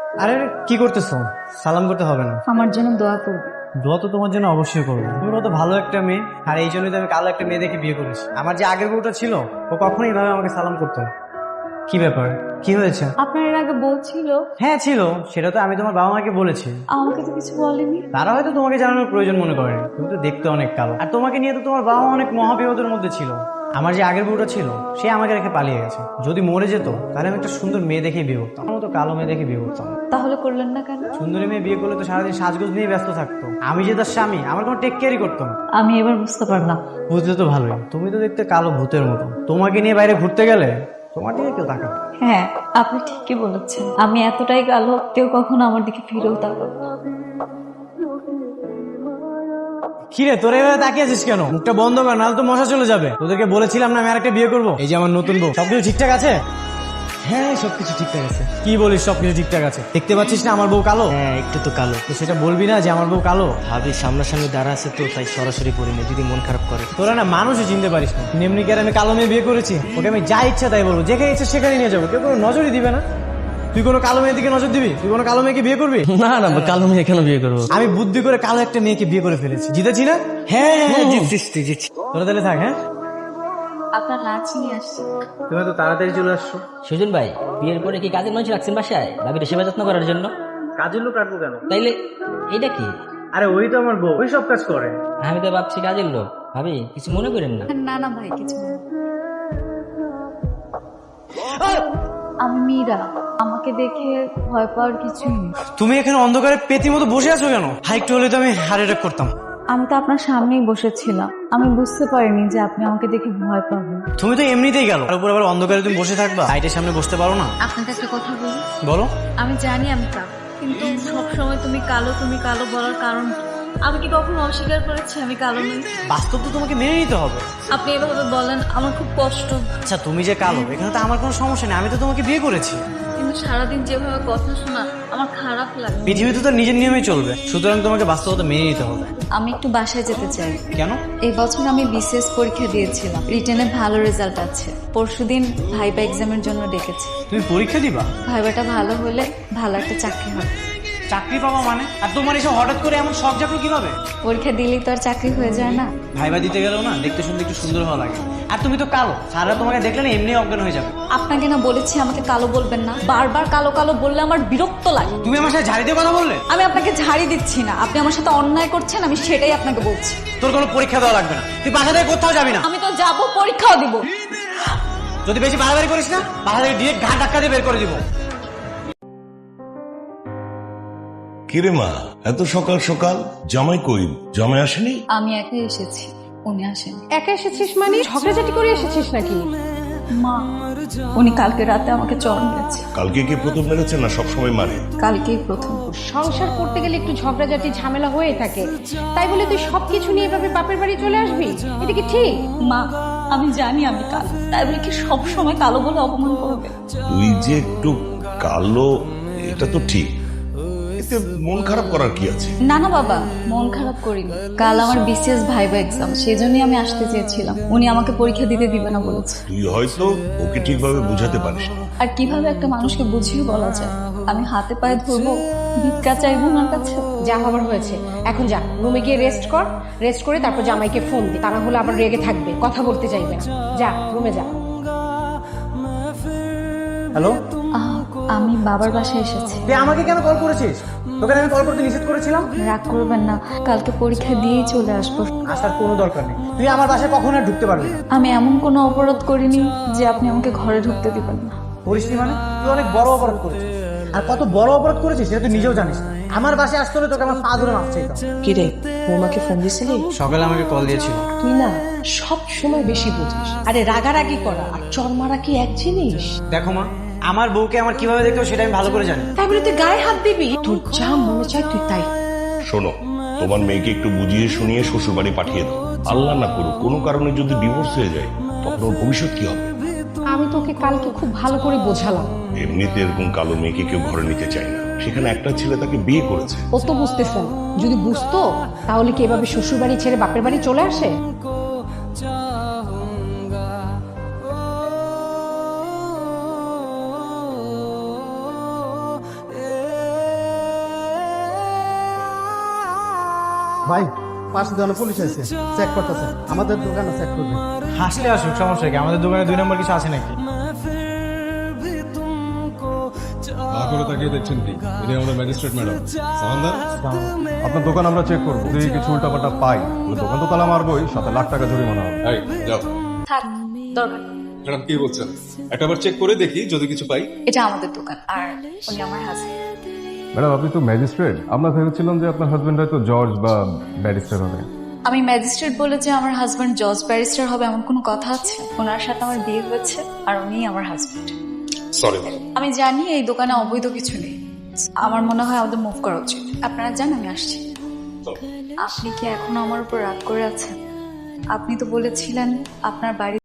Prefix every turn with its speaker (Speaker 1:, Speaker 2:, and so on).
Speaker 1: আরে কি করতেছো? সালাম করতে হবে না।
Speaker 2: আমার জন্য দোয়া করবে।
Speaker 1: দোয়া তো তোমার জন্য অবশ্যই করবো। তুমি কত ভালো একটা মেয়ে, আর এই জন্যই তো আমি কালো একটা মেয়ে দেখে বিয়ে করেছি। আমার যে আগের বউটা ছিল ও কখনোই ভাবে আমাকে সালাম করতো না। কি ব্যাপার, কি হয়েছে?
Speaker 2: আপনার এর আগে বলছিল।
Speaker 1: হ্যাঁ ছিল, সেটা তো আমি তোমার বাবা মাকে বলেছি।
Speaker 2: আমাকে তো কিছু বলেনি।
Speaker 1: তারা হয়তো তোমাকে জানানোর প্রয়োজন মনে করেনি। তুমি তো দেখতে অনেক কালো, আর তোমাকে নিয়ে তো তোমার বাবা মা অনেক মহাবিপদের মধ্যে ছিল। আমার যে আগের বউটা ছিল সে আমাকে রেখে পালিয়ে গেছে। যদি মরে যেত তাহলে আমি একটা সুন্দর মেয়ে দেখে বিয়ে করতাম, আমার তো কালো মেয়ে দেখে বিয়ে করতাম।
Speaker 2: তাহলে করলেন না কেন?
Speaker 1: সুন্দরী মেয়ে বিয়ে করলে তো সারাদিন সাজগোজ নিয়ে ব্যস্ত থাকতো। আমি যে তার স্বামী, আমার কোনো টেক কেয়ারই করতো না।
Speaker 2: আমি এবার বুঝতে পারলাম।
Speaker 1: বুঝলে তো ভালোই, তুমি তো দেখতে কালো ভূতের মতো। তোমাকে নিয়ে বাইরে ঘুরতে গেলে তোমার দিকে কেউ তাকাবে না।
Speaker 2: হ্যাঁ, আপনি ঠিকই বলেছেন। আমি এতটাই কালো, কেউ কখনো আমার দিকে ফিরেও তাকাবে না।
Speaker 1: কিরে তোর এভাবে তাকিয়ে আছিস কেন? মুখটা বন্ধ কর, নাহলে তো মশা চলে যাবে। তোদেরকে বলেছিলাম না আমি আরেকটা বিয়ে করবো। এই যে আমার নতুন বউ, সবকিছু ঠিকঠাক আছে?
Speaker 3: হ্যাঁ সবকিছু ঠিকঠাক আছে।
Speaker 1: কি বলিস সবকিছু ঠিকঠাক আছে? দেখতে পাচ্ছিস না আমার বউ কালো?
Speaker 3: হ্যাঁ একটু তো কালো।
Speaker 1: তো সেটা বলবি না যে আমার বউ কালো?
Speaker 3: ভাবি সামনাসামনি দাঁড়া আছে তো তাই সরাসরি পড়িনি, যদি মন খারাপ করে।
Speaker 1: তোরা না মানুষই চিনতে পারিস না। এমনি কি আর আমি কালো মেয়ে বিয়ে করেছি? ওকে আমি যা ইচ্ছা তাই বলবো, যেখানে ইচ্ছা সেখানে নিয়ে যাবো, কেউ কোনো নজরই দিবে না। তুই কোনো কালো মেয়ের দিকে নজর দিবি? তুই কোনো কালো মেয়েকে বিয়ে করবি?
Speaker 3: না না কালো মেয়ে কেন বিয়ে করবো?
Speaker 1: আমি বুদ্ধি করে কালো একটা মেয়েকে বিয়ে করে ফেলেছি। জিতেছি না?
Speaker 3: হ্যাঁ হ্যাঁ জিতছিস তুই জিতছিস।
Speaker 1: তোরা তাহলে থাক। হ্যাঁ
Speaker 2: আপনার লাঞ্চ নিয়ে আসছি।
Speaker 1: তুমি তো তাড়াতাড়ি চলে আসছো।
Speaker 4: সুজন ভাই, বিয়ের পরে কি কাজের মানুষ রাখছেন বাসায় ভাবির সেবা যত্ন করার জন্য?
Speaker 1: কাজের লোক রাখবো কেন?
Speaker 4: তাইলে এইটা কি?
Speaker 1: আরে ওই তো আমার বউ, ওই সব কাজ করে।
Speaker 4: আমি তো ভাবছি কাজের লোক। ভাবি কিছু মনে করেন না।
Speaker 2: না না ভাই, কিছু না। আমি মীরা। আমাকে দেখে ভয় পাওয়ার কিছুই নেই।
Speaker 1: তুমি এখানে অন্ধকারে পেতির মতো বসে আছো কেন? হাইটু হলে তো আমি হার্ট অ্যাটাক করতাম।
Speaker 2: আমি তো আপনার সামনেই বসেছিলাম, আমি বুঝতে পারিনি যে আপনি আমাকে দেখে ভয় পাবেন।
Speaker 1: তুমি তো এমনিতেই গেল, তার উপর আবার অন্ধকারে তুমি বসে থাকবা, লাইটের সামনে বসতে পারো না?
Speaker 2: আপনাকে একটা কথা বলি।
Speaker 1: বলো।
Speaker 2: আমি জানি আমি কালো, কিন্তু সবসময় তুমি কালো তুমি কালো বলার কারণ কি? আমি কি কখনো অস্বীকার করেছি আমি কালো নই?
Speaker 1: বাস্তব তো তোমাকে মেনে নিতে হবে।
Speaker 2: আপনি এভাবে বলেন আমার খুব কষ্ট।
Speaker 1: আচ্ছা তুমি যে কালো, এখানে তো আমার কোনো সমস্যা নেই, আমি তো তোমাকে বিয়ে করেছি।
Speaker 2: কিন্তু সারাদিন যেভাবে কথা শোনা আমার খারাপ লাগে।
Speaker 1: পৃথিবীতে তো নিজের নিয়মেই চলবে, সুতরাং তোমাকে বাস্তবতা মেনে নিতে হবে।
Speaker 2: আমি একটু বাসায় যেতে চাই।
Speaker 1: কেন?
Speaker 2: এই বছর আমি বিসিএস পরীক্ষা দিয়েছিলাম, রিটেনে ভালো রেজাল্ট আছে। পরশুদিন ভাইবা এক্সামের জন্য ডেকেছে।
Speaker 1: তুমি পরীক্ষা দিবা?
Speaker 2: ভাইবাটা ভালো হলে ভালো একটা চাকরি হবে।
Speaker 1: চাকরি পাবা মানে? আর তোমার এসব হঠাৎ করে এমন শখ জাগলো কিভাবে?
Speaker 2: পরীক্ষা দিলেই তো আর চাকরি হয়ে যায় না।
Speaker 1: ভাইবা দিতে গেলেও না দেখতে শুনতে একটু সুন্দর হওয়া লাগে। আর তুমি তো কালো, সারা তোমাকে দেখলে না এমনি অজ্ঞান হয়ে যাবে।
Speaker 2: আপনাকে না বলেছি আমাকে কালো বলবেন না, বারবার কালো কালো বললে আমার বিরক্ত লাগে।
Speaker 1: তুমি আমার সাথে ঝাড়ি দিয়ে কথা বললে?
Speaker 2: আমি আপনাকে ঝাড়ি দিচ্ছি না, আপনি আমার সাথে অন্যায় করছেন, আমি সেটাই আপনাকে বলছি।
Speaker 1: তোর কোনো পরীক্ষা দেওয়া লাগবে না, তুই বাসা থেকে কোথাও যাবি না।
Speaker 2: আমি তো যাব, পরীক্ষাও দিব।
Speaker 1: যদি বেশি বাড়াবাড়ি করিস না, বাসা থেকে ডিরেক্ট ঘাট ধাক্কা দিয়ে বের করে দিব।
Speaker 5: কিরে মা, এত সকাল সকাল? জামাই কই? জামাই আসেনি?
Speaker 2: আমি একাই এসেছি, উনি আসেন।
Speaker 6: একা এসেছিস মানে ঝগড়াঝাটি করে এসেছিস নাকি?
Speaker 2: মা, উনি কালকে রাতে আমাকে চড় মেরেছে।
Speaker 5: কালকে কি প্রথম মেরেছে না সবসময় মারে?
Speaker 2: কালকেই প্রথম।
Speaker 6: সংসার করতে গেলে একটু ঝগড়াঝাটি ঝামেলা হয়ে থাকে, তাই বলে তুই সবকিছু নিয়ে এভাবে বাপের বাড়ি চলে আসবি? এটা কি ঠিক?
Speaker 2: মা, আমি জানি আমি কালো, তাই বলে কি সব সময় কালো বলে অপমান করবে?
Speaker 5: তুই যে একটু কালো এটা তো ঠিক, এতে মন খারাপ করার কি আছে?
Speaker 2: না না বাবা, মন খারাপ করিনি। কাল আমার বিসিএস ভাইবা এক্সাম, সেই জন্যই আমি আসতে চেয়েছিলাম। উনি আমাকে পরীক্ষা দিতে দিবে না বলেছে।
Speaker 5: তুই হয়তো ওকে ঠিকভাবে বুঝাতে পারিস না।
Speaker 2: আর কিভাবে একটা মানুষকে বুঝিয়ে বলা যায়? আমি হাতে পায়ে ধরবো, ভিক্ষা চাইবো ওনার কাছে?
Speaker 6: যা হবার হয়েছে, এখন যা রুমে গিয়ে রেস্ট কর। রেস্ট করে তারপর জামাইকে ফোন দে, তা না হলে আবার রেগে থাকবে, কথা বলতে চাইবে না। যা রুমে যা।
Speaker 1: হ্যালো,
Speaker 2: আমি বাবার বাসায় এসেছি।
Speaker 1: তুই আমাকে কেন কল করেছিস? তোকে আমি কল করতে নিষেধ করেছিলাম।
Speaker 2: রাগ করবেন না, কালকে পরীক্ষা দিয়েই চলে আসবো।
Speaker 1: আসার কোনো দরকার নেই, তুই আমার বাসায় কখনো আর ঢুকতে পারবি না।
Speaker 2: আমি এমন কোনো অপরাধ করিনি যে আপনি আমাকে ঘরে ঢুকতে দিবেন না।
Speaker 1: করিসনি মানে? তুই অনেক বড় অপরাধ করেছিস, আর কত বড় অপরাধ করেছিস সেটা তুই নিজেও জানিস না। আমার বাসায় আসতে হলে তোকে আমার পা ধরে মাফ চাইতাম।
Speaker 7: কিরে, বৌমাকে ফোন দিছিলি?
Speaker 1: সকালে আমাকে কল দিয়েছিল।
Speaker 7: তুই না সব সময় বেশি বুঝিস। আরে রাগারাগি করা আর চর মারা কি এক জিনিস?
Speaker 1: দেখো মা, আমার বউকে আমার কিভাবে দেখতে হয় সেটা আমি ভালো করে জানি।
Speaker 7: তাই বলে তুই গায়ে হাত দিবি? তোর যা মনে চায় তুই তাই।
Speaker 5: শোনো, তোমার মেয়েকে একটু বুঝিয়ে শুনিয়ে শ্বশুর বাড়ি পাঠিয়ে দাও। আল্লাহ না করুক কোনো কারণে যদি ডিভোর্স হয়ে যায়, তখন ওর ভবিষ্যৎ কি হবে?
Speaker 6: আমি তোকে কালকে খুব ভালো করে বোঝালাম।
Speaker 5: এমনিতে এরকম কালো মেয়েকে কেউ ঘরে নিতে চায় না, সেখানে একটা ছেলে তাকে বিয়ে করেছে।
Speaker 6: ও তো বুঝতেছে না, যদি বুঝতো তাহলে কি এভাবে শ্বশুর বাড়ি ছেড়ে বাপের বাড়ি চলে আসে?
Speaker 8: ভাই পাশে দোকানে পুলিশ আছে, চেক করতেছে, আমাদের দোকানে চেক করবে।
Speaker 1: হাসলে আসুক, সমস্যা কি? আমাদের দোকানে 2 নম্বর কিছু আছে নাকি?
Speaker 9: করে তাকিয়ে দেখছেন কি? ইনি আমাদের ম্যাজিস্ট্রেট ম্যাডাম সামান্দার। আপনার দোকান আমরা চেক করবো, যদি কিছু উল্টাপাল্টা পাই তাহলে দোকান তো তালা মারবোই, সাথে লাখ টাকা জরিমানা হবে। এই যাও।
Speaker 2: থাক, দরকার নেই।
Speaker 9: ম্যাডাম কি বলছেন? একটাবার চেক করে দেখি যদি কিছু পাই।
Speaker 2: এটা আমাদের দোকান আর উনি আমার হাজবেন্ড।
Speaker 9: ম্যাডাম আপনি তো ম্যাজিস্ট্রেট, আমরা ভেবেছিলাম যে আপনার হাজবেন্ড হয়তো জজ বা ব্যারিস্টার হবে।
Speaker 2: আমি ম্যাজিস্ট্রেট বলে যে আমার হাজবেন্ড জজ ব্যারিস্টার হবে এমন কোনো কথা আছে? ওনার সাথে আমার বিয়ে হয়েছে আর উনিই আমার হাজবেন্ড।
Speaker 9: Sorry madam.
Speaker 2: আমি জানি এই দোকানে অবৈধ কিছু নেই। আমার মনে হয় আমাদের মুভ করা উচিত। আপনারা জান আমি আসছি। আপনি কি এখনো আমার উপর রাগ করে আছেন? আপনি তো বলেছিলেন আপনার বাড়ি